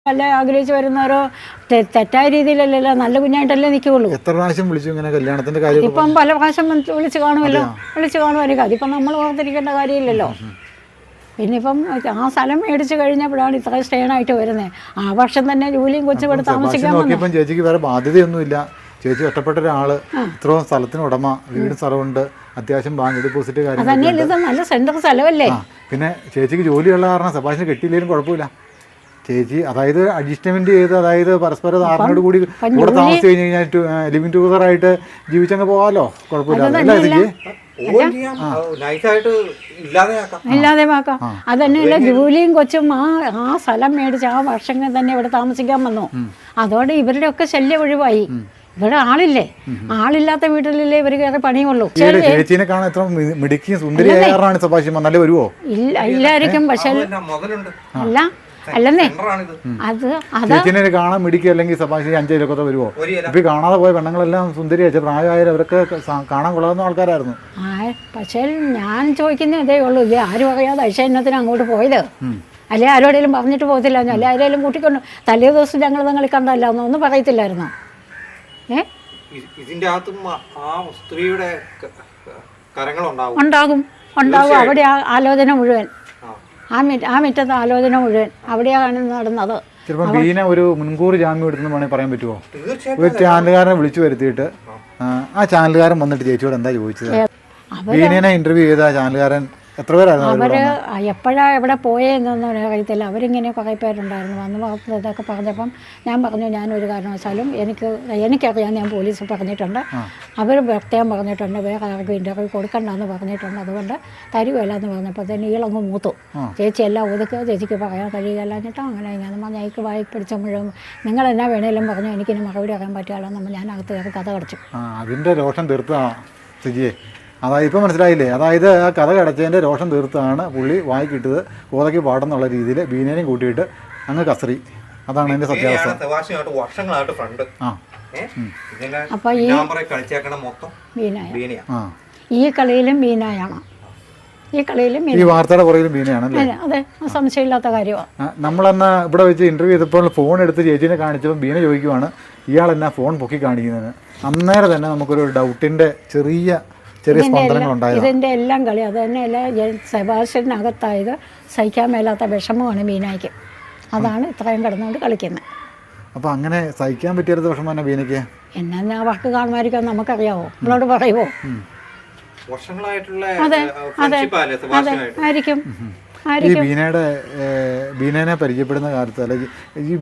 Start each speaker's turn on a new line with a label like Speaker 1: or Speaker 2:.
Speaker 1: അല്ല ആഗ്രഹിച്ച് വരുന്നവരോ തെറ്റായ രീതിയിലല്ലല്ലോ, നല്ല കുഞ്ഞായിട്ടല്ലേ നിൽക്കുകയുള്ളൂ.
Speaker 2: എത്ര പ്രാവശ്യം വിളിച്ചു ഇങ്ങനെ കല്യാണത്തിന്റെ കാര്യം?
Speaker 1: ഇപ്പം പല പ്രാവശ്യം വിളിച്ച് കാണുമായിരിക്കും. അതിപ്പം നമ്മൾ ഓർത്തിരിക്കേണ്ട കാര്യമില്ലല്ലോ. പിന്നെ ഇപ്പം ആ സ്ഥലം മേടിച്ച് കഴിഞ്ഞപ്പോഴാണ് ഇത്ര സ്റ്റേണായിട്ട് വരുന്നത്. ആ വർഷം തന്നെ ജോലിയും കൊച്ചും ഇവിടെ താമസിക്കാൻ
Speaker 2: നോക്കിയപ്പം ചേച്ചിക്ക് വേറെ ബാധ്യതയൊന്നുമില്ല. ചേച്ചി ഒറ്റപ്പെട്ട ഒരാള്, ഇത്രയും സ്ഥലത്തിന് ഉടമ, വീടും സ്ഥലമുണ്ട്, അത്യാവശ്യം ബാങ്ക് ഡെപ്പോസിറ്റ്
Speaker 1: കാര്യങ്ങൾ, ഇത് നല്ല സെൻട്രൽ സ്ഥലമല്ലേ.
Speaker 2: പിന്നെ ചേച്ചിക്ക് ജോലിയുള്ള കാരണം സെബാസ്റ്റ്യൻ കെട്ടിയില്ലെങ്കിലും കുഴപ്പമില്ല. ചേച്ചി അതായത് അഡ്ജസ്റ്റ്മെന്റ് ചെയ്ത്, അതായത് പരസ്പര ധാരണയോട് കൂടി കൂടെ താമസിച്ച് കഴിഞ്ഞ് കഴിഞ്ഞാൽ ലിവിങ് ടുഗദർ ആയിട്ട് ജീവിച്ചങ്ങ് പോകാമല്ലോ, കുഴപ്പമില്ല.
Speaker 1: ഇല്ലാതെയാക്കാം. അതന്നെയല്ല, ജോലിയും കൊച്ചും ആ സ്ഥലം മേടിച്ച് ആ വർഷങ്ങൾ തന്നെ ഇവിടെ താമസിക്കാൻ വന്നു. അതോടെ ഇവരുടെ ഒക്കെ ശല്യം ഒഴിവായി. ഇവിടെ ആളില്ലേ, ആളില്ലാത്ത വീട്ടിലല്ലേ ഇവർ കയറി പണിയുള്ളൂ.
Speaker 2: ചേച്ചീനെ കാണാൻ എത്ര മിടുക്കിയും സുന്ദരിയാറാണ് സെബാസ്റ്റ്യൻ, നല്ല വരുവോ?
Speaker 1: ഇല്ലായിരിക്കും, പക്ഷെ അല്ല അല്ലെന്നേ അത്
Speaker 2: ചേച്ചിനെ കാണാൻ മിടിക്കുക, അല്ലെങ്കിൽ സെബാസ്റ്റ്യൻ 5 കിലോക്കൊക്കെ വരുമോ? ഇപ്പൊ കാണാതെ പോയ പെണ്ണുങ്ങളെല്ലാം സുന്ദരിയാച്ച പ്രായമായാലും അവരൊക്കെ കാണാൻ കൊള്ളാവുന്ന ആൾക്കാരായിരുന്നു.
Speaker 1: പക്ഷേ ഞാൻ ചോദിക്കുന്ന ഇതേ ഉള്ളൂ, ഇത് ആരും അറിയാതെ ഐശ്വര്യത്തിന് അങ്ങോട്ട് പോയത്, അല്ലെ ആരോടെങ്കിലും പറഞ്ഞിട്ട് പോകത്തില്ല, അല്ലെ ആരെങ്കിലും കൂട്ടിക്കൊണ്ട് തലേ ദിവസം ഞങ്ങൾ നിങ്ങൾ കണ്ടല്ല ഒന്നും പറയത്തില്ലായിരുന്നോ?
Speaker 3: ഇതിന്റെ അകത്തും ആ സ്ത്രീയുടെ
Speaker 1: ഉണ്ടാകും. അവിടെ ആലോചന മുഴുവൻ, ആ മുറ്റത്തെ ആലോചന മുഴുവൻ അവിടെയാണ് നടന്നത്.
Speaker 2: ചിലപ്പോൾ ബീന ഒരു മുൻകൂർ ജാമ്യം എടുത്തെന്ന് വേണമെങ്കിൽ പറയാൻ പറ്റുമോ? ഒരു ചാനലുകാരനെ വിളിച്ചു വരുത്തിയിട്ട് ആ ചാനലുകാരൻ വന്നിട്ട് ചേച്ചിയോട് എന്താ ചോദിച്ചത്? ബീനനെ ഇന്റർവ്യൂ ചെയ്ത ചാനലുകാരൻ എത്ര പേരായിരുന്നു?
Speaker 1: അവർ എപ്പോഴാണ് എവിടെ പോയെന്നൊന്നും അറിയത്തില്ല. അവരിങ്ങനെ കുറേ പേരുണ്ടായിരുന്നു. വന്ന് ഇതൊക്കെ പറഞ്ഞപ്പം ഞാൻ പറഞ്ഞു, ഞാനൊരു കാരണവശാലും എനിക്കറിയാം, ഞാൻ പോലീസ് പറഞ്ഞിട്ടുണ്ട്, അവർ പ്രത്യേകം പറഞ്ഞിട്ടുണ്ട്, വേറെ ആർക്കും ഇൻ്റർവ്യൂ കൊടുക്കണ്ടെന്ന് പറഞ്ഞിട്ടുണ്ട്, അതുകൊണ്ട് തരുകയില്ല എന്ന് പറഞ്ഞപ്പോൾ തന്നെ ഈളങ്ങ് മൂത്തു. ചേച്ചി എല്ലാം ഒതുക്കുക, ചേച്ചിക്ക് പറയാൻ കഴിയുകയല്ലാഞ്ഞിട്ടോ അങ്ങനെ ഇങ്ങനെ ഞങ്ങൾക്ക് വായി പിടിച്ച മുഴുവൻ നിങ്ങൾ എന്നാ വേണേലും പറഞ്ഞു, എനിക്കിനി മറുപടി അറിയാൻ പറ്റുകയല്ലോ നമ്മൾ ഞാൻ അകത്ത് കയറി കഥ കടച്ചു.
Speaker 2: അതിൻ്റെ രോഷം തീർത്താ സിജിയെ, അതായത് ഇപ്പം മനസ്സിലായില്ലേ? അതായത് ആ കഥ കടച്ചതിൻ്റെ രോഷം തീർത്താണ് പുള്ളി വായിക്കിട്ടത് കോതയ്ക്ക് പാടെന്നുള്ള രീതിയിൽ ബീനേനെയും കൂട്ടിയിട്ട് അങ്ങ് കസറി. അതാണ് എൻ്റെ സത്യാവസ്ഥ.
Speaker 1: അപ്പോൾ ഈ കളിയിലും ബീനായാണ്,
Speaker 2: ഈ വാർത്തയുടെ പുറകിലും ബീനയാണല്ലേ?
Speaker 1: അതെ, സംശയമില്ലാത്ത കാര്യമാണ്.
Speaker 2: നമ്മളെന്നാ ഇവിടെ വെച്ച് ഇൻ്റർവ്യൂ ചെയ്തപ്പോൾ ഫോൺ എടുത്ത് ചേച്ചീനെ കാണിച്ചപ്പോൾ ബീന ചോദിക്കുവാണ്, ഇയാൾ എന്നാ ഫോൺ പൊക്കി കാണിക്കുന്നതിന്. അന്നേരം തന്നെ നമുക്കൊരു ഡൗട്ടിൻ്റെ ചെറിയ സ്പന്ദനങ്ങൾ ഉണ്ടായത്.
Speaker 1: ഇതിൻ്റെ എല്ലാം കളി അത് തന്നെയല്ല, സെബാസ്റ്റ്യനകത്തായത് സഹിക്കാൻ മേലാത്ത വിഷമമാണ് ബീനയ്ക്ക്. അതാണ് ഇത്രയും കിടന്നുകൊണ്ട് കളിക്കുന്നത്.
Speaker 2: അപ്പോൾ അങ്ങനെ സഹിക്കാൻ പറ്റിയൊരു വിഷമം തന്നെ ബീനയ്ക്ക്.
Speaker 1: എന്നാ വർക്ക് കാണുമായിരിക്കും, നമുക്കറിയാവോ? നമ്മളോട് പറയുമോ? അതെ അതെ അതെ, ആയിരിക്കും.
Speaker 2: ഈ ബീനേനെ പരിചയപ്പെടുന്ന കാലത്ത് അല്ലെങ്കിൽ ഈ